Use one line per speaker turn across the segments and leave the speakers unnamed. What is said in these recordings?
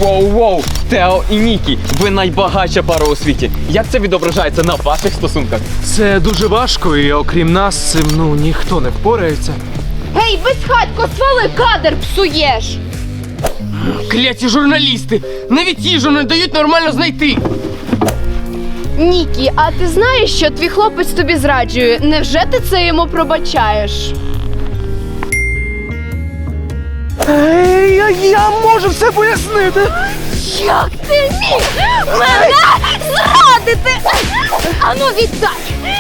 Воу-воу! Тео і Нікі, ви найбагатша пара у світі. Як це відображається на ваших стосунках?
Це дуже важко, і окрім нас, з цим, ніхто не впорається.
Гей, безхатько, свали, кадр псуєш!
Кляті журналісти! Навіть їжу не дають нормально знайти!
Нікі, а ти знаєш, що твій хлопець тобі зраджує? Невже ти це йому пробачаєш?
Я можу все пояснити.
Як ти міг мене зрадити? Ану, віддай!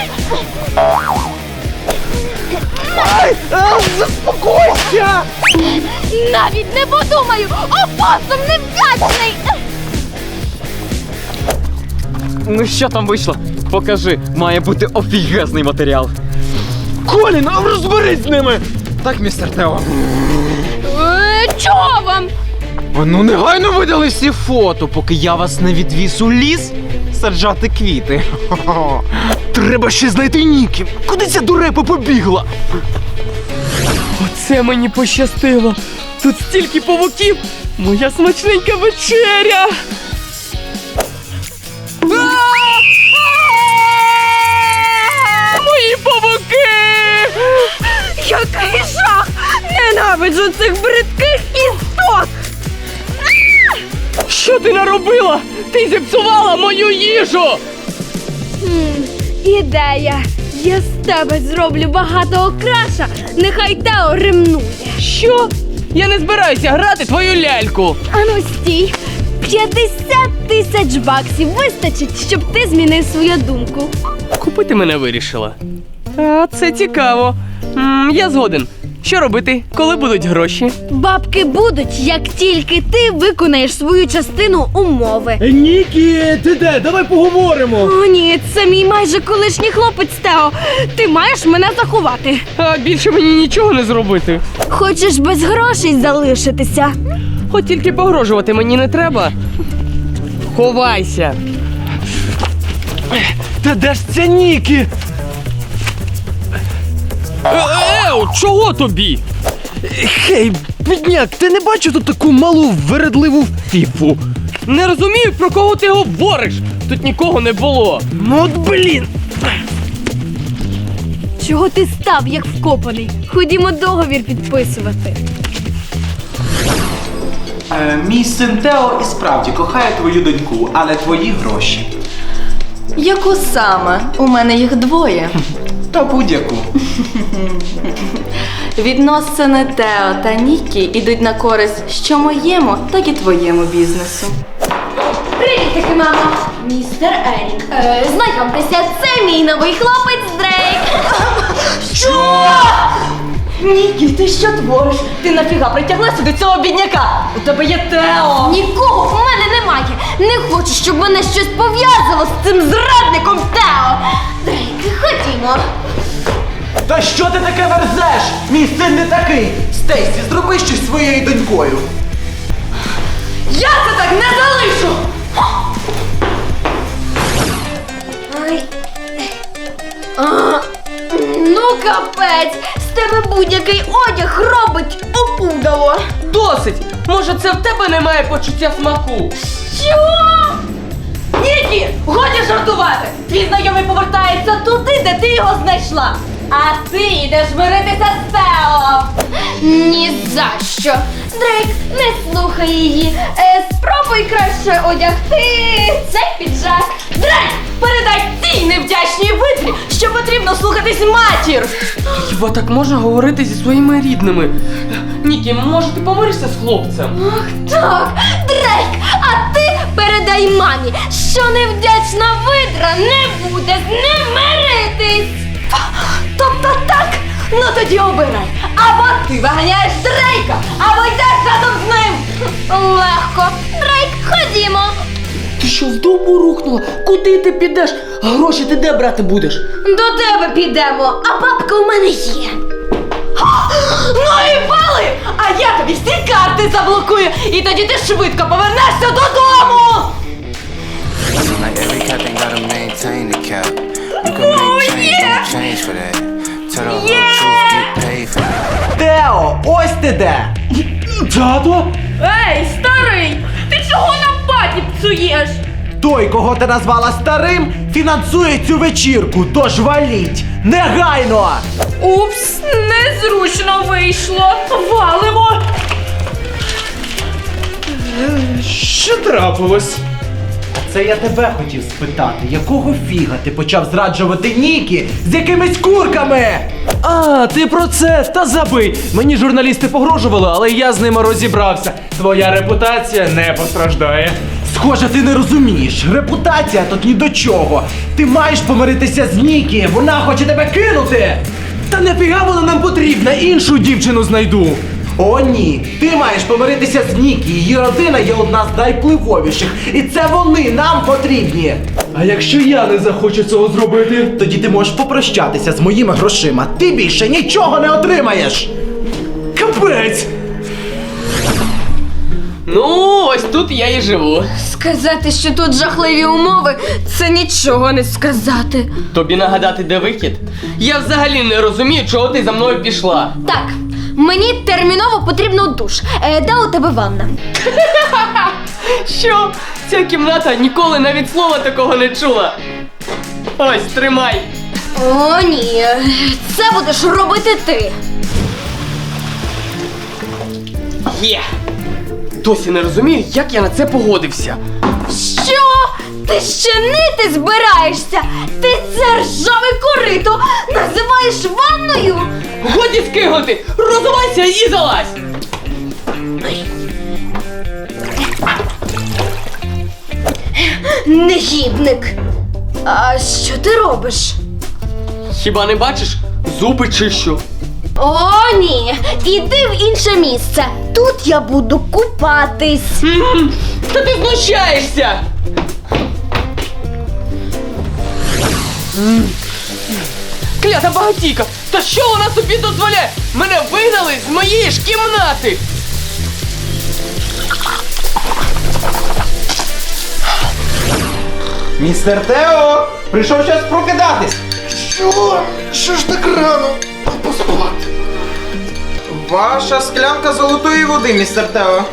Заспокойся!
Навіть не подумаю! Опосум невдячний!
Ну що там вийшло? Покажи, має бути офігезний матеріал.
Колін, розберись з ними! Так, містер Тео.
Чого вам?
Ну, негайно видали всі фото, поки я вас не відвіз у ліс саджати квіти. Треба ще знайти Нікі. Куди ця дурепа побігла?
Оце мені пощастило! Тут стільки павуків! Моя смачненька вечеря! Мої павуки!
Який жах! Ненавиджу цих бридких істот!
Що ти наробила? Ти зіпсувала мою їжу!
Ідея! Я з тебе зроблю багато окраша, нехай Тео ремнує.
Що? Я не збираюся грати твою ляльку!
Ану стій! 50 тисяч баксів вистачить, щоб ти змінив свою думку.
Купити мене вирішила. А, це цікаво. Я згоден. Що робити, коли будуть гроші?
Бабки будуть, як тільки ти виконаєш свою частину умови.
Нікі, ти де? Давай поговоримо.
О, ні, це мій майже колишній хлопець Тео. Ти маєш мене заховати.
А більше мені нічого не зробити.
Хочеш без грошей залишитися?
От тільки погрожувати мені не треба. Ховайся.
Та де ж ця Нікі?
Чого тобі?
Хей, бідняк, ти не бачив тут таку малу вередливу фіфу?
Не розумію, про кого ти говориш. Тут нікого не було.
Ну от блін.
Чого ти став, як вкопаний? Ходімо договір підписувати.
Мій син Тео і справді кохає твою доньку, але твої гроші.
Яку саме? У мене їх двоє.
Та будь-яку.
Відносини Тео та Нікі ідуть на користь що моєму, так і твоєму бізнесу.
Привіт-таки, мама! Містер Ерік. Знайомтеся, це мій новий хлопець Дрейк.
Що? Нікі, ти що твориш? Ти нафіга притягла сюди цього бідняка? У тебе є Тео!
Нікого в мене немає. Не хочу, щоб мене щось пов'язало з цим зрадником Тео. Дрейк, ходімо.
Та що ти таке верзеш? Мій син не такий. Стейсі, зроби щось зі своєю донькою.
Я це так не залишу!
Ай. Ну, капець, з тебе будь-який одяг робить опудало.
Досить! Може, це в тебе немає почуття смаку?
Що?
Нікі, годі жартувати! Твій знайомий повертається туди, де ти його знайшла. А ти йдеш миритися з Тео.
Ні за що. Дрейк, не слухай її. Спробуй краще одягти цей піджак.
Дрейк, передай цій невдячній витрі, що потрібно слухатись матір.
Хіба так можна говорити зі своїми рідними? Нікі, може ти помиришся з хлопцем?
Ах так, Дрейк, а ти передай мамі, що невдячна видра не буде з ним миритись.
Тобто так? Ну тоді обирай. Або ти виганяєш Дрейка, або йдеш разом з ним.
Легко. Дрейк, ходімо.
Ти що, з дому рухнула? Куди ти підеш? А гроші ти де брати будеш?
До тебе підемо, а бабка у мене є.
Ну і вали! А я тобі всі карти заблокую, і тоді ти швидко повернешся додому!
Like every cap ain't gotta maintain the cap. You can make change, don't change for that. Tell the whole truth, get paid for that.
Тео, ось ти де!
Тато?
Ей, старий! Ти чого
Той, кого ти назвала старим, фінансує цю вечірку, тож валіть! Негайно!
Упс, незручно вийшло. Валимо.
Що трапилось?
А це я тебе хотів спитати, якого фіга ти почав зраджувати Нікі з якимись курками?
А, ти про це? Та забий. Мені журналісти погрожували, але я з ними розібрався. Твоя репутація не постраждає.
Схоже, ти не розумієш. Репутація тут ні до чого. Ти маєш помиритися з Нікі, вона хоче тебе кинути.
Та нафіга вона нам потрібна, іншу дівчину знайду.
О, ні, ти маєш помиритися з Нікі. Її родина є одна з найвпливовіших. І це вони нам потрібні.
А якщо я не захочу цього зробити?
Тоді ти можеш попрощатися з моїми грошима. Ти більше нічого не отримаєш.
Капець!
Ну, ось тут я і живу.
Сказати, що тут жахливі умови, це нічого не сказати.
Тобі нагадати, де вихід? Я взагалі не розумію, чого ти за мною пішла.
Так, мені терміново потрібно душ. Де у тебе ванна?
Що? Ця кімната ніколи навіть слова такого не чула. Ось, тримай.
О, ні, це будеш робити ти.
Є. Досі не розумію, як я на це погодився.
Що? Ти ще нити збираєшся? Ти це ржаве корито називаєш ванною?
Годі скиглити! Розувайся і залазь!
Негідник. А що ти робиш?
Хіба не бачиш? Зуби чищу.
О, ні, іди в інше місце. Тут я буду купатись.
Та ти знущаєшся! Клята багатійка! Та що вона собі дозволяє? Мене вигнали з моєї ж кімнати!
Містер Тео, прийшов час прокидатись.
Що ж так рано? Поспати. Ваша склянка золотої води, містер Тео.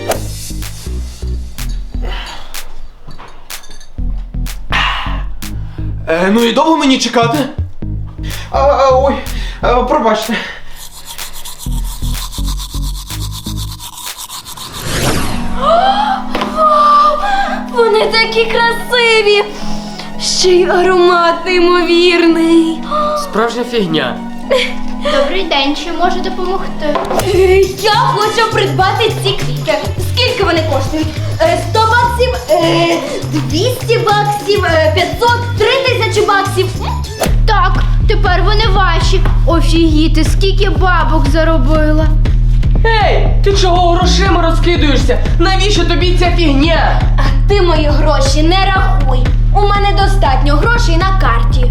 Ну і довго мені чекати? Ой, пробачте.
Вони такі красиві. Ще й аромат неймовірний.
Справжня фігня.
Добрий день, чи можу допомогти?
Я хочу придбати ці квіти. Скільки вони коштують? 100 баксів, 200 баксів, 500, 3000 баксів.
Так, тепер вони ваші. Офігіти, скільки бабок заробила.
Ей, ти чого грошима розкидуєшся? Навіщо тобі ця фігня?
А ти мої гроші не рахуй. У мене достатньо грошей на карті.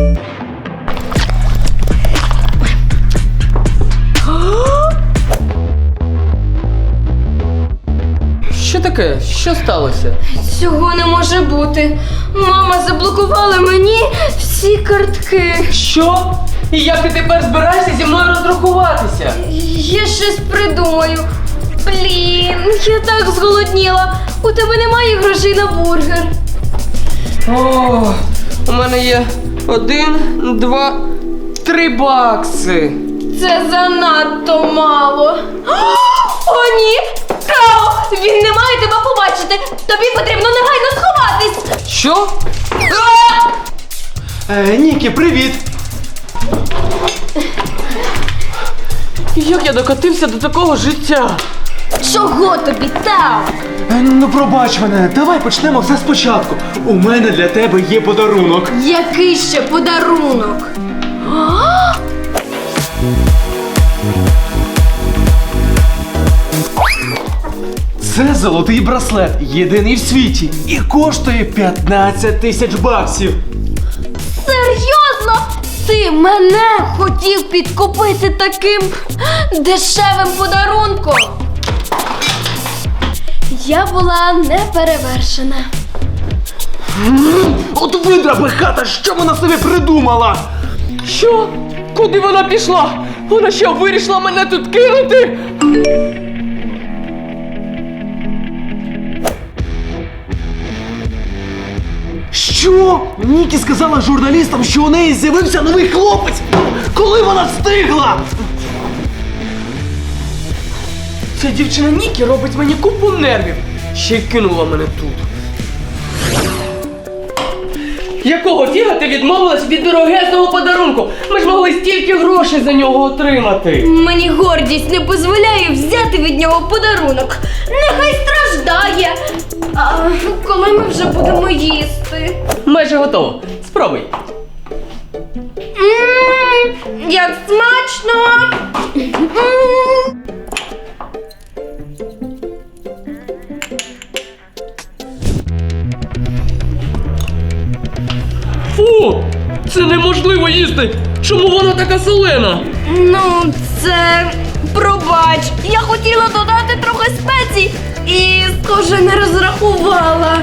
Що таке? Що сталося?
Цього не може бути. Мама заблокувала мені всі картки.
Що? І як ти тепер збираєшся зі мною розрахуватися?
Я щось придумаю. Блін, я так зголодніла. У тебе немає грошей на бургер.
О, у мене є 1, 2, 3 бакси.
Це занадто мало. О, ні! Тео! Він не має тебе побачити! Тобі потрібно негайно сховатись!
Що?
Нікі, привіт!
Як я докотився до такого життя?
Чого тобі, Тео?
Ну пробач мене, давай почнемо все спочатку. У мене для тебе є подарунок.
Який ще подарунок?
Це золотий браслет, єдиний в світі, і коштує 15 тисяч баксів.
Серйозно? Ти мене хотів підкупити таким дешевим подарунком? Я була неперевершена.
От видра хата, що вона собі придумала?
Що? Куди вона пішла? Вона що, вирішила мене тут кинути?
Що? Нікі сказала журналістам, що у неї з'явився новий хлопець! Коли вона встигла?
Ця дівчина Нікі робить мені купу нервів. Ще й кинула мене тут. Якого фіга ти відмовилась від дорогезного подарунку? Ми ж могли стільки грошей за нього отримати.
Мені гордість не дозволяє взяти від нього подарунок. Нехай страждає. А коли ми вже будемо їсти?
Майже готово. Спробуй.
Як смачно!
Фу! Це неможливо їсти! Чому вона така солена?
Ну, це пробач. Я хотіла додати трохи спецій і, схоже, не розрахувала.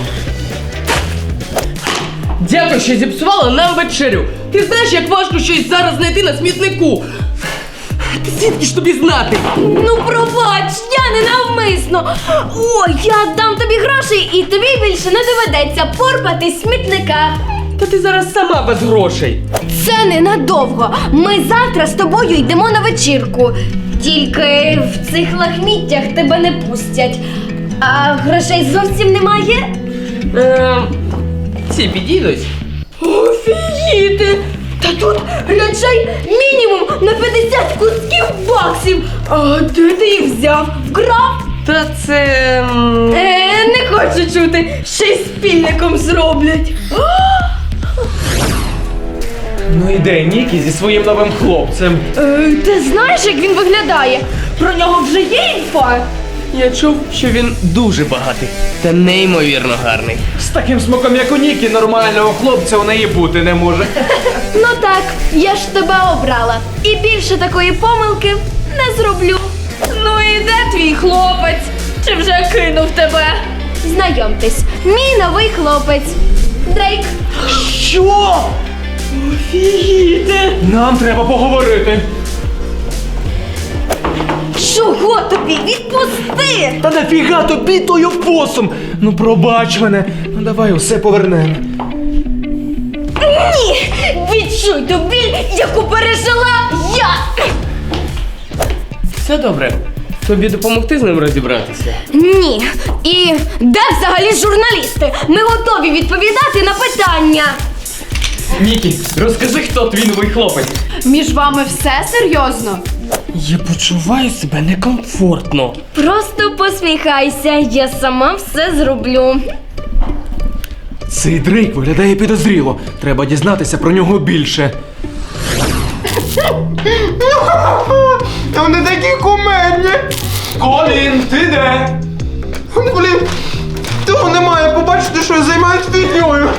Дякую, що зіпсувала нам вечерю. Ти знаєш, як важко щось зараз знайти на смітнику. Ти звідки ж тобі знати?
Ну, пробач, я не навмисно. О, я дам тобі грошей і тобі більше не доведеться порпатись смітника.
Та ти зараз сама без грошей.
Це ненадовго. Ми завтра з тобою йдемо на вечірку. Тільки в цих лахміттях тебе не пустять. А грошей зовсім немає?
Ці підійдуть.
Офігіти! Та тут речей мінімум на 50 кусків баксів. А де ти їх взяв? Вкрав?
Та це...
Не хочу чути, ще й спільником зроблять.
Ну іде Нікі зі своїм новим хлопцем.
Ти знаєш, як він виглядає? Про нього вже є інфа?
Я чув, що він дуже багатий та неймовірно гарний.
З таким смаком, як у Нікі, нормального хлопця у неї бути не може.
Ну так, я ж тебе обрала. І більше такої помилки не зроблю.
Ну і де твій хлопець? Чи вже кинув тебе?
Знайомтесь, мій новий хлопець. Дрейк.
Що?
Офігіти!
Нам треба поговорити.
Чого тобі? Відпусти!
Та нафіга тобі той опосум? Ну пробач мене. Ну давай усе повернемо.
Ні! Відчуй ту біль, яку пережила я!
Все добре. Тобі допомогти з ним розібратися?
Ні. І де взагалі журналісти? Ми готові відповідати на питання.
Нікі, розкажи, хто твій новий хлопець.
Між вами все серйозно?
Я почуваю себе некомфортно.
Просто посміхайся, я сама все зроблю.
Цей Дрейк виглядає підозріло. Треба дізнатися про нього більше. Вони такі кумедні. Колін, ти де? Блін, того немає, побачити, що я займаюсь фігньою.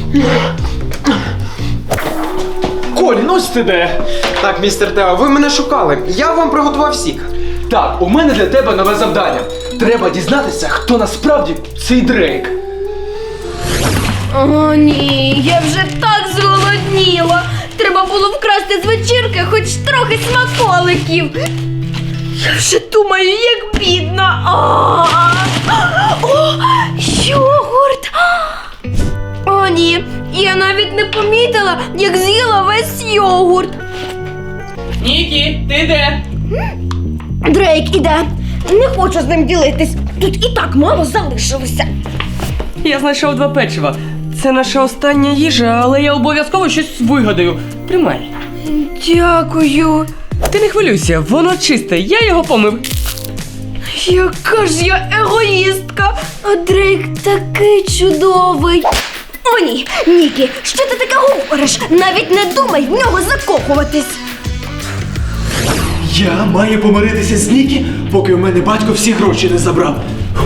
Колін, ось ти де.
Так, містер Тео, ви мене шукали. Я вам приготував сік.
Так, у мене для тебе нове завдання. Треба дізнатися, хто насправді цей Дрейк.
О, ні, я вже так зголодніла. Треба було вкрасти з вечірки хоч трохи смаколиків. Я вже думаю, як бідно. О, йогурт. О, ні, я навіть не помітила, як з'їла весь йогурт.
Нікі, ти де?
Дрейк іде. Не хочу з ним ділитись. Тут і так мало залишилося.
Я знайшов 2 печива. Це наша остання їжа, але я обов'язково щось вигадаю. Тримай.
Дякую.
Ти не хвилюйся, воно чисте, я його помив.
Яка ж я егоїстка, а Дрейк такий чудовий. О, ні, Нікі, що ти таке говориш? Навіть не думай в нього закохуватись.
Я маю помиритися з Нікі, поки у мене батько всі гроші не забрав.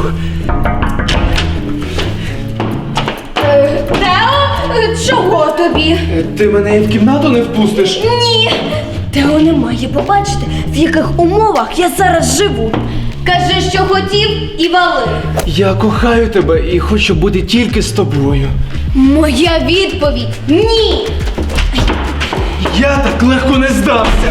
Тео, чого тобі?
Ти мене і в кімнату не впустиш?
Ні. Тео не має побачити, в яких умовах я зараз живу. Кажи, що хотів, і вали.
Я кохаю тебе і хочу бути тільки з тобою.
Моя відповідь – ні.
Я так легко не здався.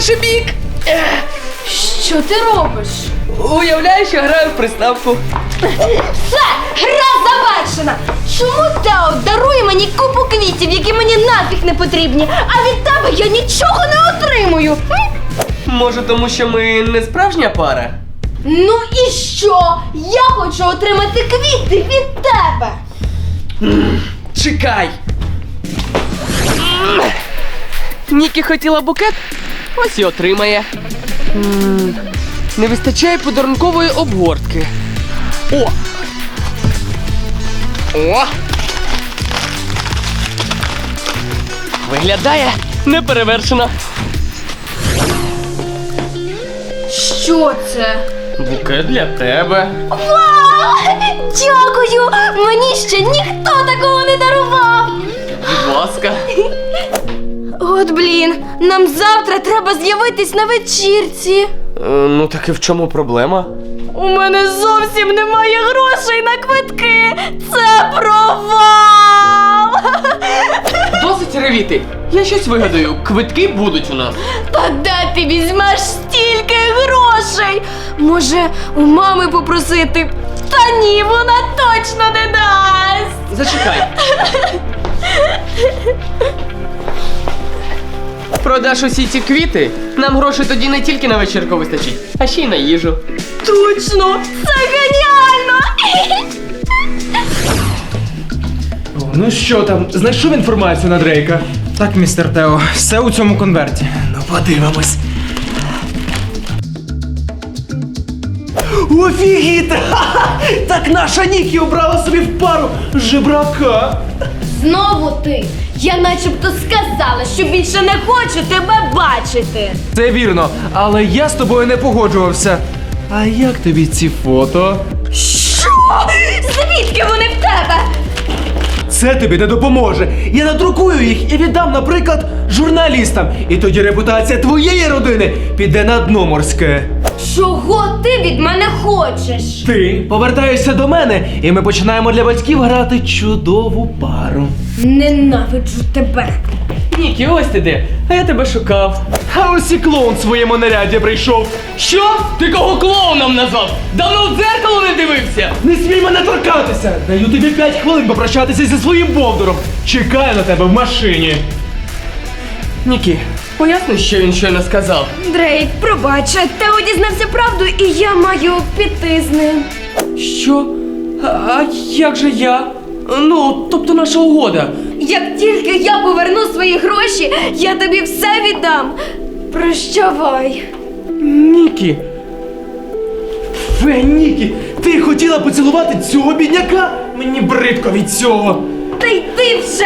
інший бік.
Що ти робиш?
Уявляєш, я граю в приставку.
Все, гра завершена! Чому Тео дарує мені купу квітів, які мені нафіг не потрібні, а від тебе я нічого не отримую?
Може, тому що ми не справжня пара?
Ну і що? Я хочу отримати квіти від тебе!
Чекай! Нікі хотіла букет, ось і отримає. Не вистачає подарункової обгортки. О! О! Виглядає неперевершено.
Що це?
Букет для тебе.
Вау! Дякую! Мені ще ніхто такого не дарував!
Будь ласка.
От блін, нам завтра треба з'явитись на вечірці.
Ну так і в чому проблема?
У мене зовсім немає грошей на квитки. Це провал!
Досить ревіти. Я щось вигадаю. Квитки будуть у нас.
Та де ти візьмеш стільки грошей? Може, у мами попросити? Та ні, вона точно не дасть.
Зачекай. Продаш усі ці квіти, нам грошей тоді не тільки на вечірку вистачить, а ще й на їжу.
Точно! Це геніально!
Ну що там, знайшов інформацію на Дрейка? Так, містер Тео, все у цьому конверті. Ну, подивимось.
Офігіти! Ха-ха! Так наша Нікі обрала собі в пару жебрака.
Знову ти! Я начебто сказала, що більше не хочу тебе бачити.
Це вірно, але я з тобою не погоджувався. А як тобі ці фото?
Що? Звідки вони в тебе?
Це тобі не допоможе. Я надрукую їх і віддам, наприклад, журналістам. І тоді репутація твоєї родини піде на дно морське.
Чого ти від мене хочеш?
Ти повертаєшся до мене, і ми починаємо для батьків грати чудову пару.
Ненавиджу тебе.
Нікі, ось ти де, а я тебе шукав.
А ось і клоун в своєму наряді прийшов.
Що? Ти кого клоуном назвав? Давно в дзеркало не дивився?
Не смій мене торкатися! Даю тобі 5 хвилин попрощатися зі своїм бовдуром. Чекаю на тебе в машині.
Нікі, поясни, що він щойно сказав.
Дрейк, пробач, Тео дізнався правду, і я маю піти з ним.
Що? А як же я? Ну, тобто наша угода.
Як тільки я поверну свої гроші, я тобі все віддам. Прощавай.
Нікі.
Нікі, ти хотіла поцілувати цього бідняка? Мені бридко від цього.
Та йди вже!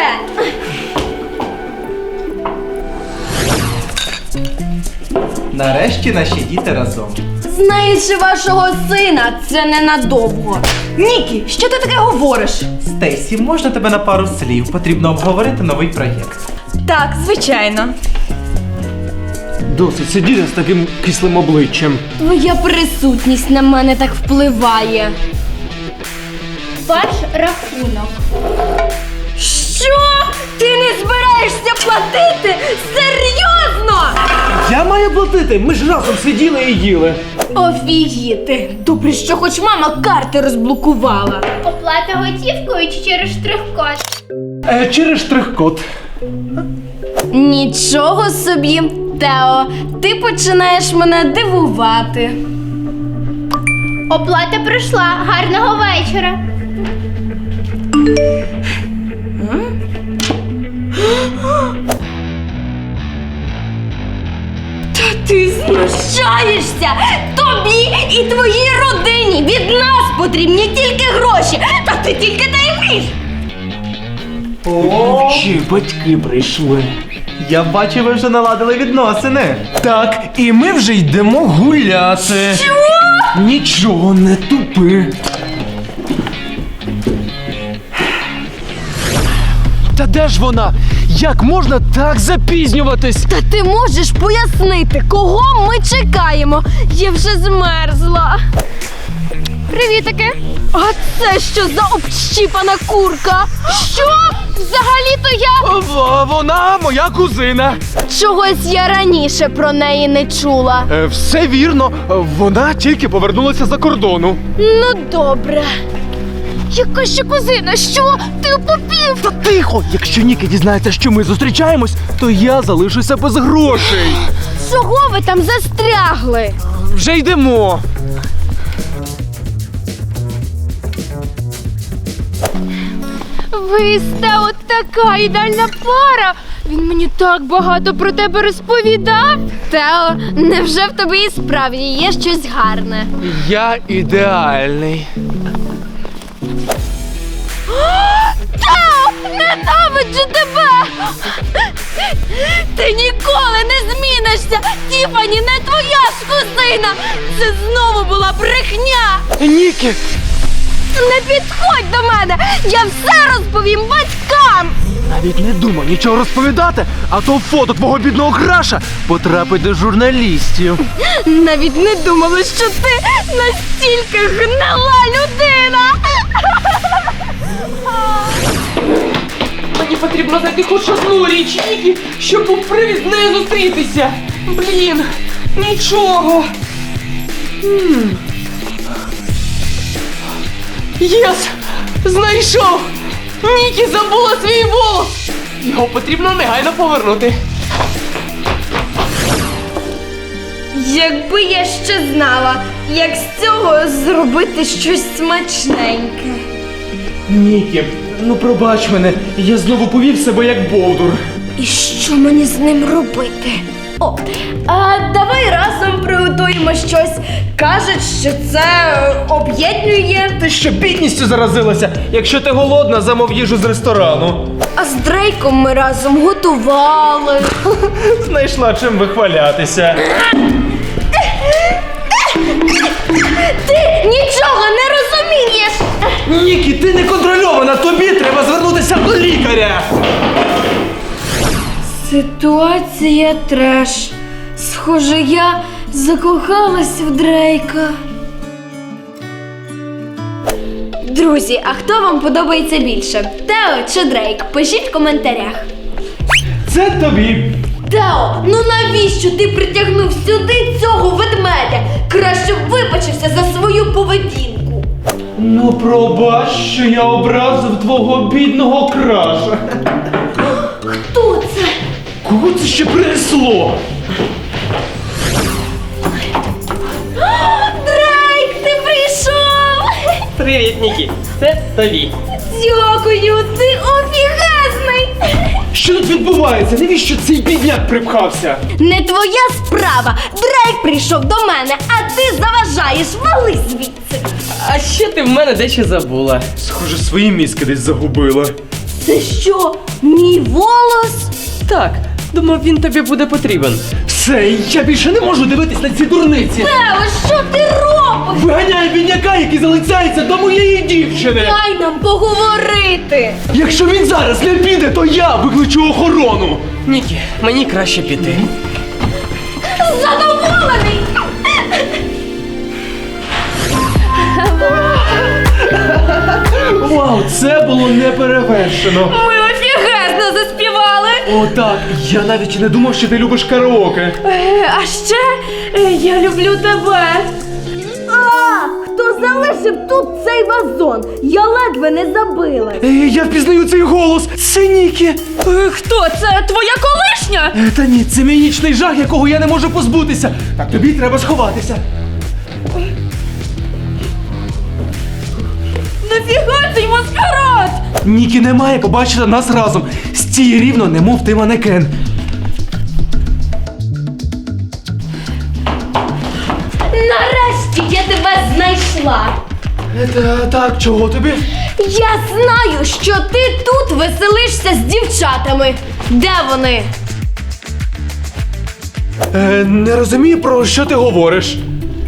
Нарешті наші діти разом.
Знаючи вашого сина, це ненадовго.
Нікі, що ти таке говориш?
Стейсі, можна тебе на пару слів? Потрібно обговорити новий проєкт.
Так, звичайно.
Досить сидіти з таким кислим обличчям.
Твоя присутність на мене так впливає.
Ваш рахунок.
Що? Ти не збираєшся платити? Серйозно?
Я маю платити, ми ж разом сиділи і їли.
Офігіти. Добре, що хоч мама карти розблокувала.
Оплата готівкою чи через штрих-код?
Через штрих-код.
Нічого собі, Тео, ти починаєш мене дивувати.
Оплата пройшла. Гарного вечора.
Та ти знущаєшся! Тобі і твоїй родині від нас потрібні тільки гроші, та ти тільки дай вмієш!
Мовчи, батьки прийшли.
Я бачу, ви вже наладили відносини.
Так, і ми вже йдемо гуляти.
Що?
Нічого не тупи. Та де ж вона? Як можна так запізнюватись?
Та ти можеш пояснити, кого ми чекаємо? Я вже змерзла.
Привітики.
А це що за общіпана курка?
Що? Взагалі-то я...
Вона моя кузина.
Чогось я раніше про неї не чула.
Все вірно, вона тільки повернулася за кордону.
Ну добре.
Яка ще кузина? Що? Ти попів?
Та тихо! Якщо Нікі дізнається, що ми зустрічаємось, то я залишуся без грошей.
Чого ви там застрягли?
Вже йдемо.
Ви з Тео така ідеальна пара. Він мені так багато про тебе розповідав.
Тео, невже в тобі і справді є щось гарне?
Я ідеальний.
Тео, ненавиджу тебе! Ти ніколи не змінишся! Тіфані не твоя ж кузина! Це знову була брехня!
Нікі!
Не підходь до мене! Я все розповім батькам!
Навіть не думав нічого розповідати, а то фото твого бідного краша потрапить до журналістів.
Навіть не думала, що ти настільки гнила людина!
Мені потрібно знайти хоч одну річ Нікі, щоб був привід з нею зустрітися. Блін, нічого. Єс! Знайшов! Нікі забула свій волос! Його потрібно негайно повернути.
Якби я ще знала, як з цього зробити щось смачненьке.
Нікі, ну пробач мене, я знову повів себе як бовдур.
І що мені з ним робити? О, а давай разом приготуємо щось. Кажуть, що це об'єднує.
Ти що бідністю заразилася? Якщо ти голодна, замов їжу з ресторану.
А з Дрейком ми разом готували.
Знайшла чим вихвалятися.
Ти нічого не розумієш!
Нікі, ти не контрольована, тобі треба звернутися до лікаря.
Ситуація треш. Схоже, я закохалась в Дрейка. Друзі, а хто вам подобається більше? Тео чи Дрейк? Пишіть в коментарях.
Це тобі.
Тео, ну навіщо ти притягнув сюди цього ведмедя? Краще б вибачився за свою поведінку.
Ну пробач, що я образив твого бідного краша.
Хто це?
Кого це ще принесло?
Дрейк, ти прийшов!
Привіт, Нікі. Це тобі.
Дякую, ти офігезний!
Що тут відбувається? Навіщо цей бідняк припхався?
Не твоя справа. Дрейк прийшов до мене, а ти заважаєш. Вали звідси.
А ще ти в мене дещо забула.
Схоже, свої мізки десь загубила.
Це що, мій волос?
Так, думав, він тобі буде потрібен.
Все, я більше не можу дивитись на ці дурниці.
Тео, що ти робиш?
Виганяй бідняка, який залицяється до моєї дівчини.
Дай нам поговорити.
Якщо він зараз не піде, то я викличу охорону.
Нікі, мені краще піти.
Задоволений.
Вау, це було неперевершено.
Ми офігезно заспівали.
О, так, я навіть не думав, що ти любиш караоке.
А ще я люблю тебе. А, хто залишив тут цей вазон? Я ледве не забила.
Я впізнаю цей голос. Це Нікі.
Хто це? Твоя колишня?
Та ні, це мій нічний жах, якого я не можу позбутися. Так тобі треба сховатися.
Нафіга цей маскарад?
Нікі не має побачити нас разом. Стій рівно, немов ти манекен.
Нарешті я тебе знайшла.
Так, чого тобі?
Я знаю, що ти тут веселишся з дівчатами. Де вони?
Не розумію, про що ти говориш.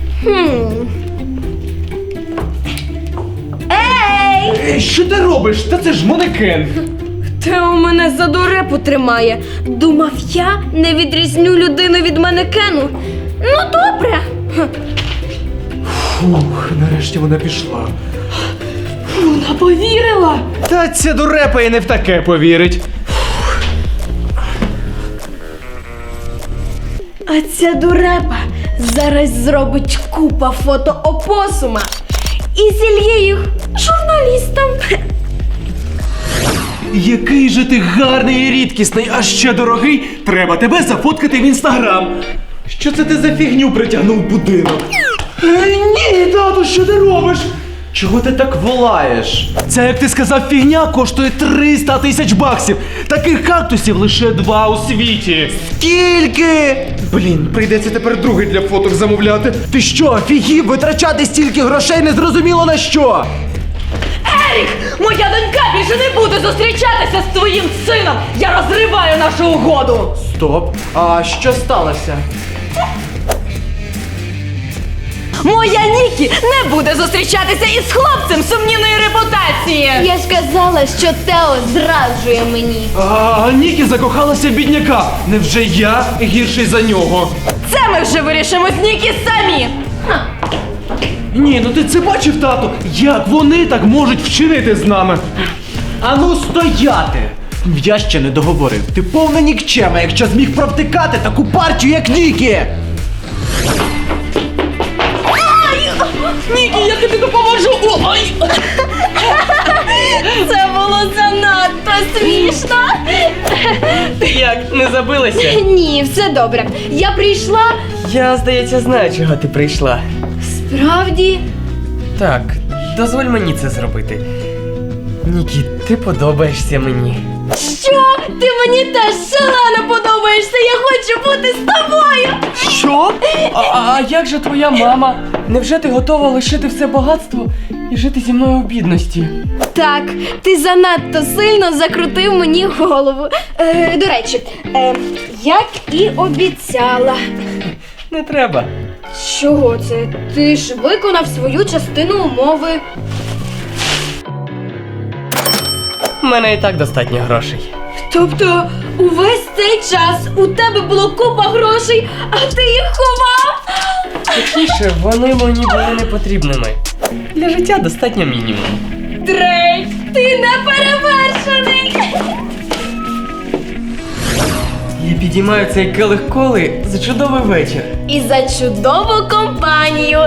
Ей!
Що ти робиш? Та це ж манекен.
Тео мене за дурепу тримає. Думав, я не відрізню людину від манекену. Ну, добре.
Фух, нарешті вона пішла.
Вона повірила.
Та ця дурепа і не в таке повірить.
А ця дурепа зараз зробить купа фото опосума і зільє їх журналістам.
Який же ти гарний і рідкісний, а ще дорогий. Треба тебе зафоткати в інстаграм. Що це ти за фігню притягнув в будинок? Ні, тату, що ти робиш? Чого ти так волаєш? Це, як ти сказав, фігня коштує 300 тисяч баксів. Таких кактусів лише 2 у світі. Скільки? Блін, прийдеться тепер другий для фоток замовляти. Ти що, офігів витрачати стільки грошей незрозуміло на що?
Ерік, моя донька більше не буде зустрічатися з твоїм сином! Я розриваю нашу угоду!
Стоп, а що сталося?
Моя Нікі не буде зустрічатися із хлопцем сумнівної репутації!
Я ж казала, що Тео зраджує мені.
А Нікі закохалася в бідняка. Невже я гірший за нього?
Це ми вже вирішимо з Нікі самі!
Ні, ну ти це бачив, тату? Як вони так можуть вчинити з нами? Ану стояти! Я ще не договорив. Ти повна нікчема, якщо зміг провтикати таку партію, як Нікі!
Нікі, я тобі допоможу. Ой!
Це було занадто смішно.
Ти як, не забилася?
Ні, все добре. Я прийшла.
Я, здається, знаю, чого ти прийшла.
Справді,
Так, дозволь мені це зробити. Нікі, ти подобаєшся мені.
що? Ти мені теж шалено подобаєшся. Я хочу бути з тобою.
Що? А як же твоя мама? Невже ти готова лишити все багатство і жити зі мною у бідності?
Так, ти занадто сильно закрутив мені голову. До речі, як і обіцяла.
Не треба.
Чого це? Ти ж виконав свою частину умови.
У мене і так достатньо грошей.
Тобто, увесь цей час у тебе було купа грошей, а ти їх ховав?
Точніше, вони мені були не потрібними. Для життя достатньо мінімум.
Дрейк, ти не перевершений!
Я підіймаю цей келих коли за чудовий вечір.
І за чудову компанію.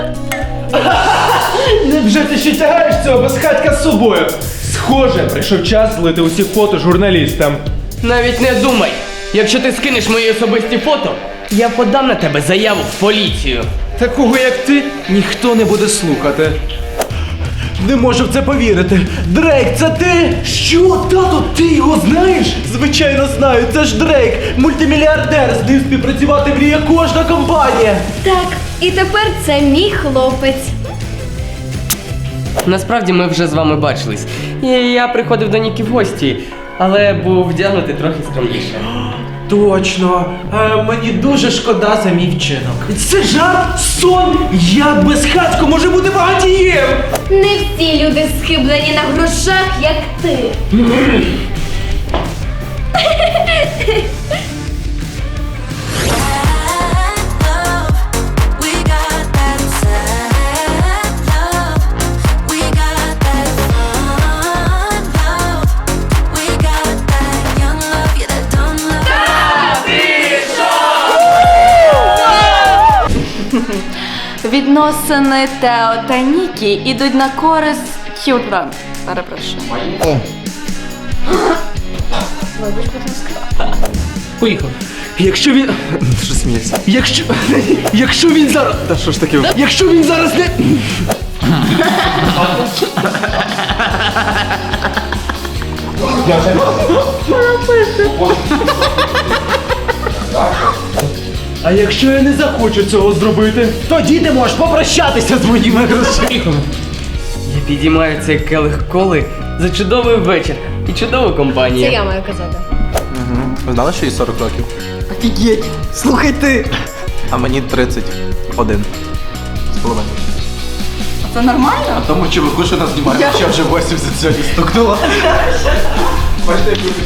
Невже ти ще тягаєш цього безхатька з собою? Схоже, прийшов час злити усі фото журналістам.
Навіть не думай! Якщо ти скинеш мої особисті фото, я подам на тебе заяву в поліцію.
Такого як ти ніхто не буде слухати. Не можу в це повірити. Дрейк, це ти? Що, тато, ти його знаєш? Звичайно знаю, це ж Дрейк, мультимільярдер, з ним співпрацювати мріє кожна компанія.
Так, і тепер це мій хлопець.
Насправді ми вже з вами бачились. І я приходив до Нікі в гості, але був вдягнутий трохи скромніше.
Точно, мені дуже шкода за мій вчинок. Це жарт, сон, як безхатько може бути багатієм?
Не всі люди схиблені на грошах, як ти.
Відносини Тео та Нікі ідуть на користь Хілтра. Перепрошую.
Поїхав. Якщо він... Що сміється? Якщо він зараз... Та що ж таке? Якщо він зараз не... А якщо я не захочу цього зробити, тоді ти можеш попрощатися з моїми грошима.
Я підіймаю цей келих коли за чудовий вечір і чудову компанію.
Це я маю казати.
Ви знали, що їй 40 років?
Офігеть! Слухай ти!
А мені 31 з половиною.
Це нормально?
А тому чуваку, що нас знімає, ще вже 80 сьогодні стукнуло. Бачите, як ви